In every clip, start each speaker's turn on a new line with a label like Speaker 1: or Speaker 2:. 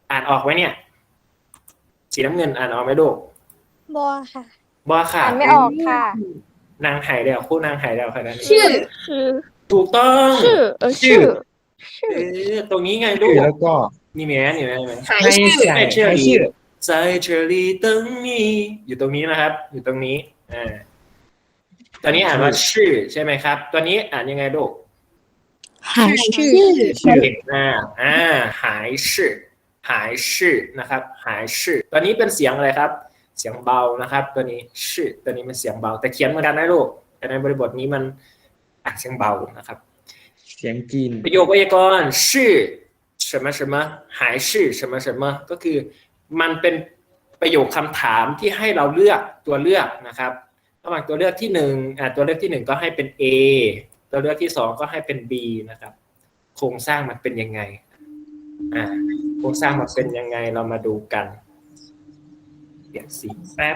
Speaker 1: อ่านออกไหมเนี่ยสีน้ำเงินอ่านออกไหมลูก
Speaker 2: บอค่ะ
Speaker 1: บอค่ะ
Speaker 2: อ่านไม่ออกค่ะ
Speaker 1: นางหายแล้วคู่นางหายแล้วค่ะนั่น
Speaker 2: ชื่อ
Speaker 1: ถูกต้อง
Speaker 2: ชื่อ
Speaker 1: ตรงนี้ไงลู
Speaker 3: ชื่อก แล้วก็
Speaker 1: นี่ไหมนี่ไหม
Speaker 2: หาย
Speaker 3: ให้
Speaker 2: ชื่อ
Speaker 3: ใส่
Speaker 1: 在这
Speaker 3: ให้
Speaker 1: 里
Speaker 3: ชื่อ
Speaker 1: 在这里等你อยู่ตรงนี้นะครับ อยู่ตรงนี้ตอนนี้อ่านว่าชื่อใช่ไหมครับ ตัวนี้อ่านยังไงลูก
Speaker 2: หายชื่อ
Speaker 3: ชื่อ
Speaker 1: เก่งมากหายชื่อหายชื่อนะครับหายชื่อตัวนี้เป็นเสียงอะไรครับ เสียงเบานะครับ ตัวนี้ชื่อตัวนี้มันเสียงเบาแต่เขียนเหมือนกันนะลูกแต่ในบริบทนี้มันอ่านเสียงเบานะครับ
Speaker 3: เสียงจีน
Speaker 1: ประโยคไวยากรณ์ชื่อ什么什么หายชื่อ什么什么ก็คือมันเป็นประโยคคำถามที่ให้เราเลือกตัวเลือกนะครับระหว่างตัวเลือกที่หนึ่งตัวเลือกที่หนึ่งก็ให้เป็น A ตัวเลือกที่สองก็ให้เป็น B นะครับโครงสร้างมันเป็นยังไงโครงสร้างมันเป็นยังไงเรามาดูกันเปลี่ยนสีแป๊บ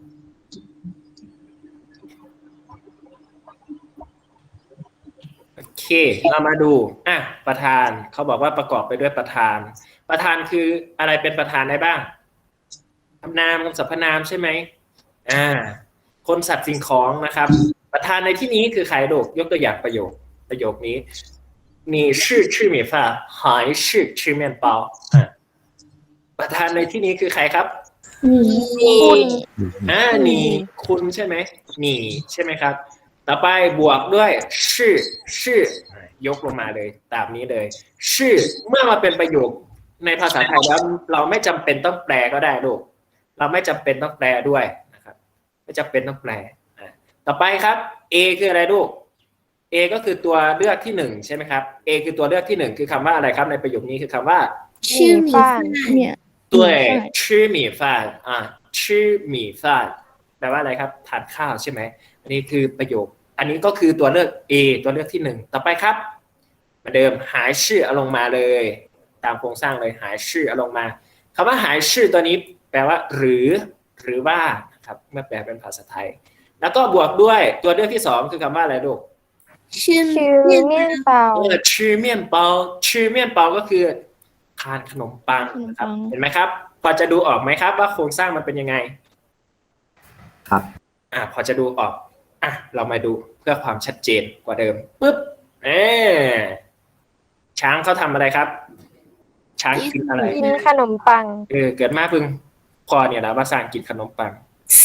Speaker 1: โอเคเรามาดูประธานเขาบอกว่าประกอบไปด้วยประธานประธานคืออะไรเป็นประธานได้บ้างคำนามคำสรรพนามใช่ไหมคนสัตว์สิ่งของนะครับประธานในที่นี้คือใครลูกยกตัวอย่างประโยคนี้你是吃米饭还是吃面包ประธานในที่นี้คือใครครับ
Speaker 2: คุณ
Speaker 1: นี่คุณใช่ไหมนี่ใช่ไหมครับต่อไปบวกด้วยชื่อยกลงมาเลยตามนี้เลยชื่อเมื่อมาเป็นประโยคในภาษาไทยแล้วเราไม่จำเป็นต้องแปลก็ได้ลูกเราไม่จำเป็นต้องแปลด้วยนะครับไม่จำเป็นต้องแปลต่อไปครับ A คืออะไรลูก A ก็คือตัวเลือกที่หนึ่งใช่ไหมครับ A คือตัวเลือกที่หนึ่งคือคำว่าอะไรครับในประโยคนี้คือคำว่า
Speaker 2: ชื่อหมีฟ้านเนี่ย
Speaker 1: 对吃米饭吃米饭แปลว่าอะไรครับทานข้าวใช่ไหมอันนี้คือประโยคอันนี้ก็คือตัวเลือก A ตัวเลือกที่หนึ่งต่อไปครับเหมือนเดิมหายชื่อเอาลงมาเลยตามโครงสร้างเลยหายชื่อเอาลงมาคำว่าหายชื่อตัวนี้แปลว่าหรือว่านะครับเมื่อแปลเป็นภาษาไทยแล้วก็บวกด้วยตัวเลือกที่สองคือคำว่าอะไรลูก
Speaker 2: ชื่อเมี่ยนเปา
Speaker 1: ชื่อเมี่ยนเปาชื่อเมี่ยนเปาก็คือทานขนมปังนะครับเห็นไหมครับพอจะดูออกไหมครับว่าโครงสร้างมันเป็นยังไง
Speaker 3: ครับ
Speaker 1: พอจะดูออกเรามาดูเพื่อความชัดเจนกว่าเดิมปึ๊บช้างเขาทำอะไรครับช้างกินอะไร
Speaker 2: กินขนมปัง
Speaker 1: เกิดมาพึ่งพอเนี่ยนะว่าสร้างกินขนมปัง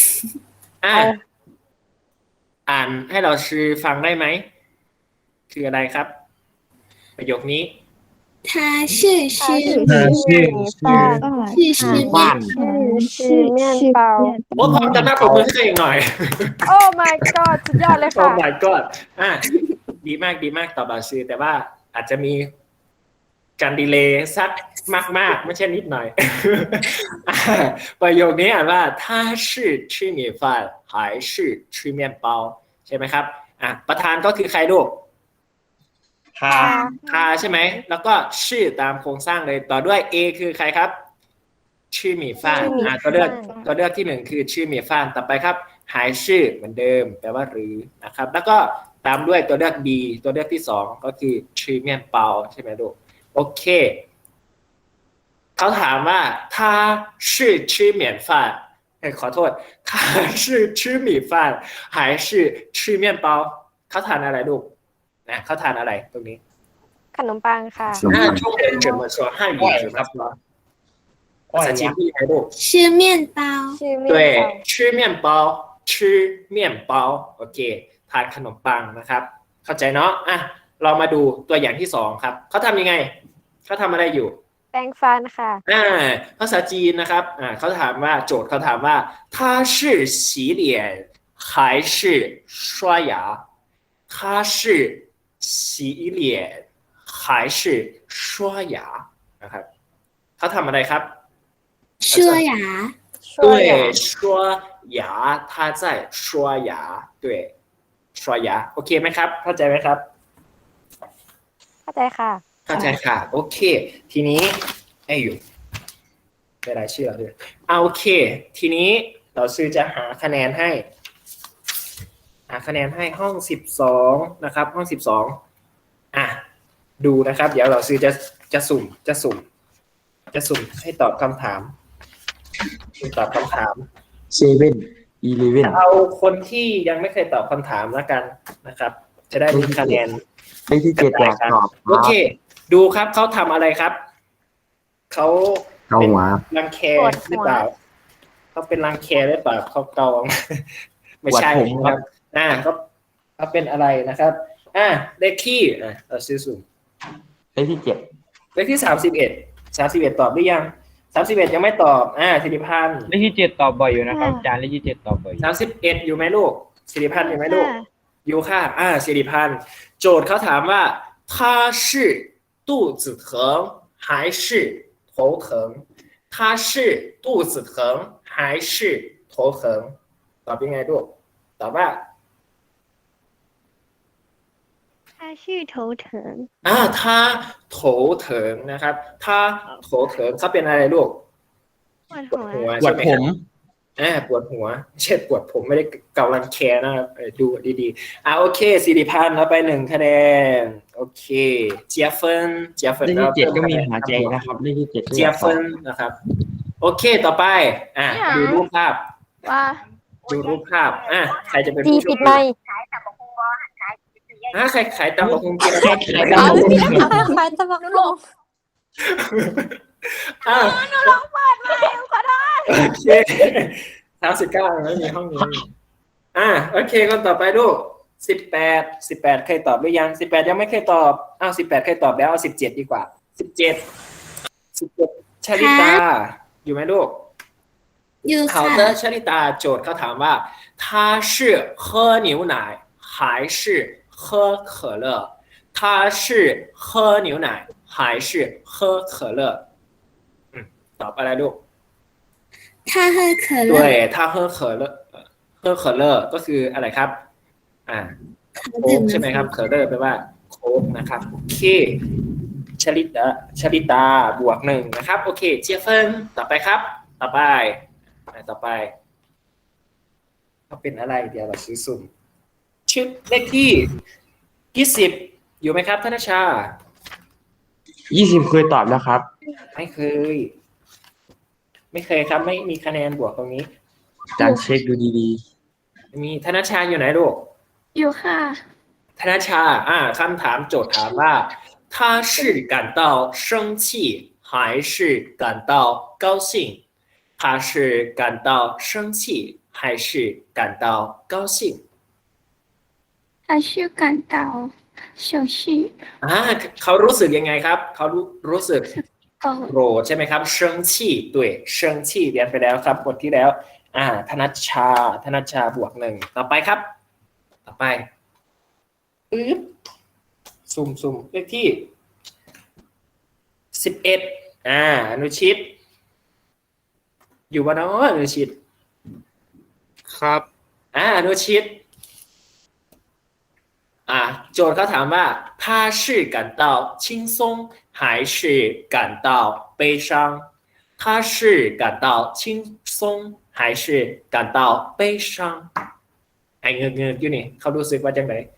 Speaker 1: อ่านให้เราชื่อฟังได้ไหมคืออะไรครับประโยคนี้
Speaker 2: 他是吃面包
Speaker 1: พร้อมจะหน้าปรบมือให้อีกหน่อย
Speaker 2: โอ้ my god สุดยอดเลยค่ะ
Speaker 1: โอ้ my god ดีมากตอบบาชื่อแต่ว่าอาจจะมีการดีเลย์สักมากไม่ใช่นิดหน่อยประโยคนี้อ่านว่า他是吃米饭还是吃面包ใช่ไหมครับประธานก็คือใครลูกทาใช่ไหมแล้วก็ชื่อตามโครงสร้างเลยต่อด้วย A คือใครครับชื่อหมี่ฟ้านตัวเลือกที่หนึ่งคือชื่อหมี่ฟ้านต่อไปครับหายชื่อเหมือนเดิมแปลว่าหรือนะครับแล้วก็ตามด้วยตัวเลือก B ตัวเลือกที่สองก็คือชื่อเมี่ยนเปาใช่ไหมลูกโอเคเขาถามว่า他是吃面饭ขอโทษ他是吃米饭还是吃面包เขาทานอะไรลูกเขาทานอะไรตรงนี้
Speaker 2: ขนมปังค่ะ
Speaker 1: 中文怎么说汉语怎么说ภาษาจีนพูดยังไงลูก
Speaker 2: 吃面包
Speaker 1: 对吃面包吃面包โอเคทานขนมปังนะครับเข้าใจเนาะเรามาดูตัวอย่างที่สองครับเขาทำยังไงเขาทำอะไรอยู่
Speaker 2: แปรงฟันค่ะ
Speaker 1: ภาษาจีนนะครับเขาถามว่าโจทย์เขาถามว่า他是洗脸还是刷牙他是洗脸还是刷牙นะครับเขาทำอะไรครับ
Speaker 2: 刷牙
Speaker 1: 对刷牙他在刷牙对刷牙โอเคไหมครับเข้าใจไหมครับ
Speaker 2: เข้าใจค่ะ
Speaker 1: โอเคทีนี้อยู่ได้รายชื่อด้วยโอเคทีนี้เราซื้อจะหาคะแนนให้ห้อง12นะครับห้อง12ดูนะครับเดี๋ยวเราซื้อจะสุ่มจะสุ่มให้ตอบคำถามตอบคำถาม
Speaker 3: เซเว่นอีเลเว่น
Speaker 1: เอาคนที่ยังไม่เคยตอบคำถามแล้วกันนะครับ จะได้มีคะแนน
Speaker 3: เลขที่เจ็ดอยากตอบค
Speaker 1: โอ
Speaker 3: รับ
Speaker 1: เค ดูครับเขาทำอะไรครับเขา
Speaker 3: เกา
Speaker 1: เป็น
Speaker 3: หัว
Speaker 1: รังแคหรือเปล่าเขาเป็นรังแคหรือเปล่าเขาเกา ไม่ใช่
Speaker 3: ปวดผม
Speaker 1: นะ
Speaker 3: ค
Speaker 1: ค
Speaker 3: รั
Speaker 1: รับ บเขาเป็นอะไรนะครับเลขที่เราซื้อสุ่ม
Speaker 3: เลขที่เจ็ด
Speaker 1: เลขที่31ตอบหรือยัง31ยังไม่ตอบสิริพันธ์
Speaker 4: เลขที่เจ็ดตอบบ่อยอยู่นะครับอาจารย์เลขที่เจ็ดตอบบ่อยอยู่
Speaker 1: 31อยู่ไหมลูกสิริพันธ์อยู่ไหมลูก อยู่ค่ะสิริพันธ์โจทย์เขาถามว่า他是肚子疼还是头疼他是肚子疼还是头疼ตอบยังไงลูกตอบว่า
Speaker 2: 他是头疼
Speaker 1: 他头疼นะครับ他头疼เขาเป็นอะไรลูก
Speaker 2: ปวด
Speaker 1: ปวดหัว
Speaker 3: ปว
Speaker 1: ใช่
Speaker 3: ด
Speaker 1: ไหม
Speaker 3: ผ
Speaker 1: ครับ
Speaker 3: ม
Speaker 1: ปวดหัวไม่ใช่ปวดผมไม่ได้เกาลังแคนะครับดูดีๆโอเคสิริพันธ์เราไป1 คะแนนโอเคเจียเฟิน
Speaker 3: เลขที่เจ็ดก็มีหัวใจนะครับ เลขที่เจ็ดก็อ
Speaker 1: เจีย
Speaker 3: ยากตอ
Speaker 1: เฟิ
Speaker 3: บ
Speaker 1: นนะครับ โอเคต่อไปดูรูปภาพ
Speaker 2: ว่า
Speaker 1: ดูรูปภาพใครจะเป็น
Speaker 2: ตี
Speaker 1: ผู้โช
Speaker 2: ปิ
Speaker 1: ค
Speaker 2: ดไม
Speaker 1: ดี
Speaker 2: ค์
Speaker 1: ใครขายตำบักหุ่งกินใครขายตำ
Speaker 2: เอา
Speaker 1: บักหุ่ง
Speaker 2: พี่ทำไมตะบักลง
Speaker 1: โอเค39ไม่มีห้องนี้โอเคคนต่อไปลูก18เคยตอบหรือยัง18ยังไม่เคยตอบ18เคยตอบแล้วเอา17ดีกว่า17ชลิตาอยู่ไหมลูก
Speaker 2: อยู่
Speaker 1: 好
Speaker 2: ค่ะ
Speaker 1: 的ชลิตาโจทย์เขาถามว่า他是喝牛奶还是喝可乐他是喝牛奶还是喝可乐ตอบอะไรลูก
Speaker 2: 他喝可乐
Speaker 1: 对他喝可乐喝可乐ก็คืออะไรครับโค้กใช่ไหมครับเคอร์เลอร์แปลว่าโค้กนะครับโอเคชลิตาบวก1นะครับโอเคเจียเฟินต่อไปครับต่อไปเขาเป็นอะไรเดี๋ยวเราซื้อสุ่มชื่อเลขที่20อยู่ไหมครับธนชา
Speaker 3: 20เคยตอบแล้วครับ
Speaker 1: ไม่เคยครับไม่มีคะแนนบวกตรงนี้
Speaker 3: อาจารย์เช็คดูดี
Speaker 1: มีธนชาอยู่ไหนลูก
Speaker 2: อยู่ค่ะ
Speaker 1: ธนชาคำถามโจทย์ถามว่า他是感到生气还是感到高兴他是感到生气还是感到高兴
Speaker 2: 他是感到生气
Speaker 1: เขารู้สึกยังไงครับเขารู้สึก
Speaker 2: โกรธ
Speaker 1: โกรธใช่ไหมครับ生气对生气เรียนไปแล้วครับบทที่แล้วธนชาบวก1ต่อไปครับต่อไปสุ่มเลขที่11อนุชิตอยู่บ้านออนุชิต
Speaker 4: ครับ
Speaker 1: อนุชิตโจทย์เขาถามว่า他是感到轻松还是感到悲伤他是感到轻松还是感到悲伤เงือกอยู่นี่เขารู้สึกว่าจังไง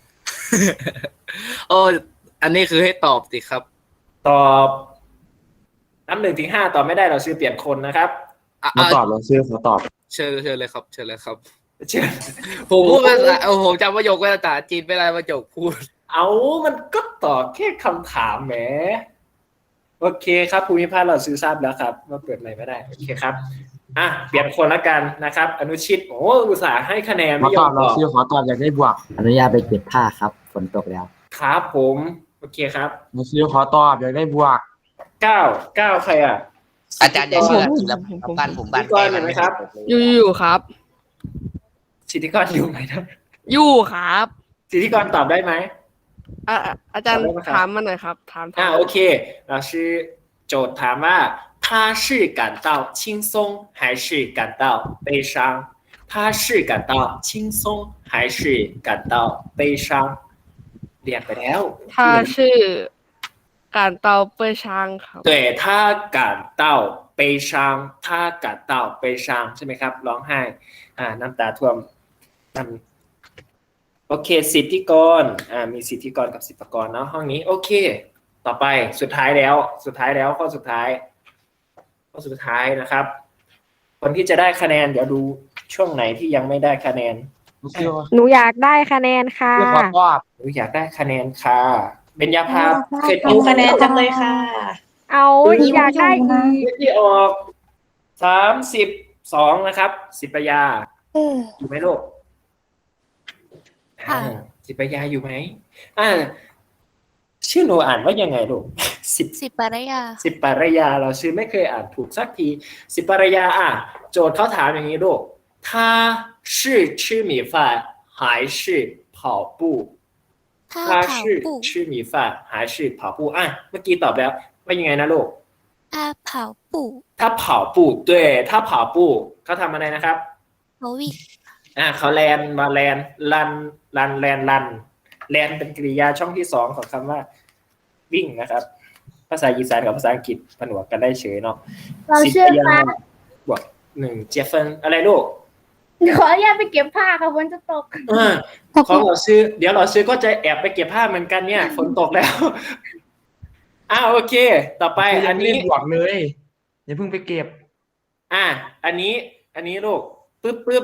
Speaker 4: โอ้อันนี้คือให้ตอบสิครับ
Speaker 1: ตอบนับ1 ถึง 5ตอบไม่ได้เราชื่อเปลี่ยนคนนะครับ
Speaker 3: ๆมาตอบเราเชื่อเขาตอบ
Speaker 4: เชิญเลยครับเชิญเลยครับ
Speaker 1: เชื่อ
Speaker 4: ผมพูดภาษาผมจำประโยคภาษาจีนไม่ได้ประโยคพูด
Speaker 1: มันก็ตอบแค่คำถามแหมโอเคครับภูมิภาคเราซื้อทราบแล้วครับว่าเปิดใหม่ไม่ได้โอเคครับเปลี่ยนคนละกันนะครับ อนุชิตอุตส่าห์ให้คะแนน
Speaker 3: มา
Speaker 1: ไม่ย
Speaker 3: ต
Speaker 1: อ
Speaker 3: อบ
Speaker 1: มต
Speaker 3: เรา
Speaker 1: อบ
Speaker 3: เชื่อขอตอบอยากได้บวก
Speaker 5: อนุญาตไปเก็บผ้าครับ ฝนตกแล้ว
Speaker 1: ครับผมโอเคครับ
Speaker 3: เราเชื่อขอตอบอยากได้บวก
Speaker 1: 9ใคร
Speaker 6: อาจารย์อย่าเชื่อทีละบ้านผม
Speaker 1: สิ
Speaker 6: บ้า
Speaker 1: ท
Speaker 6: น
Speaker 1: ธิก
Speaker 6: แก
Speaker 1: ร
Speaker 6: มั
Speaker 1: เห็
Speaker 6: น
Speaker 1: นไหมครับ
Speaker 7: อยู่ครับ
Speaker 1: สิทธิกรอยู่ไหมนะ
Speaker 7: อยู่ครับ
Speaker 1: สิทธิกรตอบได้ไหม
Speaker 7: อาจารย์
Speaker 1: ตอบได้ไหมครับ
Speaker 7: ถามมาหน่อยครับ ถาม
Speaker 1: โอเคเราชื่อโจทย์ถามว่า他是感到轻松还是感到悲伤他是感到轻松还是感到悲伤เรียนไปแล้ว
Speaker 7: ถ้าชื่อการเตาเปอร์ช้างครับ
Speaker 1: 对他感到悲伤他感到悲伤ใช่ไหมครับร้องไห้น้ำตาท่วมโอเคสิทธิกรมีสิทธิกรกับสิทธิกรเนาะห้องนี้โอเคต่อไปสุดท้ายแล้วข้อสุดท้ายข้อสุดท้ายนะครับ คนที่จะได้คะแนนเดี๋ยวดูช่วงไหนที่ยังไม่ได้คะแนน
Speaker 3: รู้สึกว่า
Speaker 7: หนูอยากได้คะแนนค่ะ
Speaker 3: ชื่อขอตอบ
Speaker 1: หรืออยากได้คะแนนค่ะเบญญาภาเคย
Speaker 8: เอาคะแนนจังเลยค่ะ
Speaker 7: เอาอยากได้อีก
Speaker 1: ที่ออก32นะครับสิปยาอยู่ไหมลูก
Speaker 8: ค่ะ
Speaker 1: สิปยาอยู่ไหมชื่อหนูอ่านว่ายังไงลูกสิบ
Speaker 8: สิบปารยา
Speaker 1: สิปารยาเราชื่อไม่เคยอ่านถูกสักทีสิปารยาโจทย์เขาถามอย่างนี้ลูก他是吃米饭还是跑步
Speaker 8: ถ้า
Speaker 1: 他
Speaker 8: เผา
Speaker 1: 是
Speaker 8: ปู่
Speaker 1: 吃米饭还是跑步เมื่อกี้ตอบแล้วว่ายังไงนะลูก
Speaker 8: ถ้าเผาปู่
Speaker 1: 他跑步对他跑步เขาทำอะไรนะครับ
Speaker 8: เขาวิ่ง
Speaker 1: เขาแลนมาแลนลันแลนเป็นกริยาช่องที่2ของคำว่าวิ่งนะครับ ภาษาอีสานกับภาษาอังกฤษผนวกกันได้เฉยเนาะ
Speaker 2: เราเชื่อ
Speaker 1: สิบ
Speaker 2: ฟ้า
Speaker 1: บวก1เจฟเฟนอะไรลูก
Speaker 2: ขออนุญาตไปเก็บผ้าค่ะฝนจะตก
Speaker 1: ของเราซื้อเดี๋ยวเราซื้อก็จะแอบไปเก็บผ้าเหมือนกันเนี่ยฝนตกแล้วโอเค ต่อไป
Speaker 3: อั
Speaker 1: อั
Speaker 3: น
Speaker 1: น
Speaker 3: นี้
Speaker 1: นี้
Speaker 3: บวกเลยอย่าเพิ่งไปเก็บ
Speaker 1: อันนี้ลูกปึ๊บ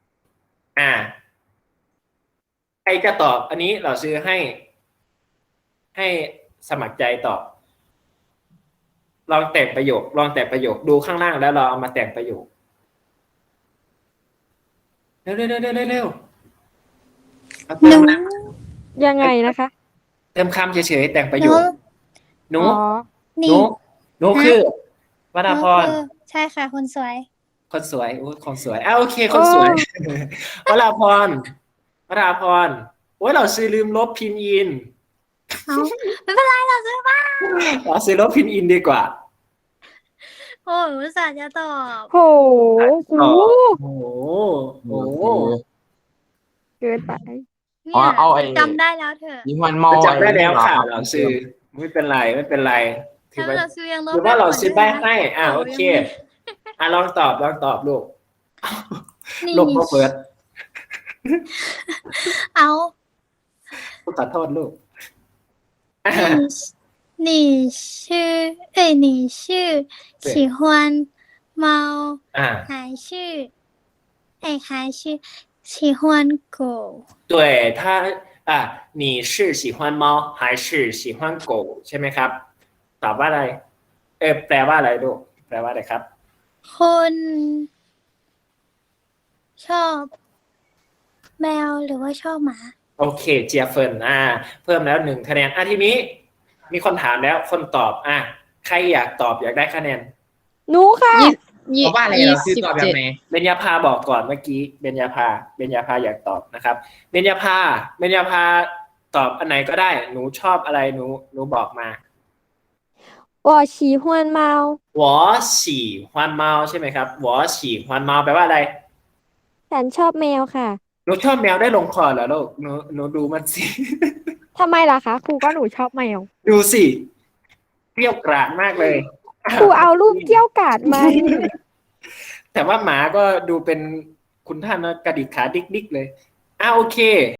Speaker 1: ใครจะตอบ อันนี้เราซื้อให้สมัครใจตอบ ลองแต่งประโยคดูข้างล่างแล้วเราเอามาแต่งประโยคเร็วเอาเติมนะ
Speaker 7: ยังไงนะคะ
Speaker 1: เติมคำเฉยๆแต่งประโยคหนู
Speaker 7: อ๋อ
Speaker 1: หนูคือวราพร
Speaker 2: ใช่ค่ะคนสวย
Speaker 1: คนสวยคนสวยโอเค คนสวยวราพรโอ้ยเราซื้อลืมลบพินอิน
Speaker 2: ไม่เป็นไรเราซื้อบ้าง
Speaker 1: เราซื้อลบพินอินดีกว่า
Speaker 2: โอ้ยอุตส่าห์จะตอบ
Speaker 7: โห
Speaker 1: โอ้
Speaker 7: โห
Speaker 1: โห
Speaker 7: เกินไป
Speaker 2: เนี่ย
Speaker 3: เอาไอ้
Speaker 2: จำได้แล้วเถอะ
Speaker 3: ยิงวันเมา
Speaker 1: จำได้แล้วค่ะเราซื้อไม่เป็นไรถื
Speaker 2: ถ้า
Speaker 1: อว่า
Speaker 2: เราซื้อยังลบ
Speaker 1: ถือว่าเราซื้อแป้ให้
Speaker 2: ได้
Speaker 1: โอเคลองตอบลูก
Speaker 2: นี่
Speaker 1: ลบมาเปิด
Speaker 2: เอา
Speaker 1: ขอโทษลูก
Speaker 2: 你是喜欢猫还是还是喜欢狗？
Speaker 1: 对他你是喜欢猫还是喜欢狗ใช่ไหมครับ ตอบว่าอะไรแปลว่าอะไรลูกแปลว่าอะไรครับ
Speaker 2: คนชอบแมวหรือว่าชอบหมา
Speaker 1: โอเคเจียเฟินเพิ่มแล้ว1คะแนนทีนี้มีคนถามแล้วคนตอบใครอยากตอบอยากได้คะแนน
Speaker 7: หนูค่ะ
Speaker 4: เพราะว่าอะไรเราซื้อตอบแบบไหน
Speaker 1: เบญญาภาบอกก่อนเมื่อกี้เบญญาภาอยากตอบนะครับเบญญาภาตอบอันไหนก็ได้หนูชอบอะไรหนูบอกมา
Speaker 7: 我喜欢猫
Speaker 1: 我喜欢猫ใช่ไหมครับ我喜欢猫แปลว่าอะไร
Speaker 7: ฉันชอบแมวค่ะ
Speaker 1: หนูชอบแมวได้ลงคอเหรอลูกหนูดูมันสิ
Speaker 7: ทำไมล่ะคะครูก็หนูชอบแมว
Speaker 1: ดูสิเกรี้ยวกราดมากเลย
Speaker 7: ครูเอารูปเกี้ยวกาดมา
Speaker 1: แต่ว่าหมาก็ดูเป็นคุณท่านนะกระดิกขาดิกๆเลยโอเค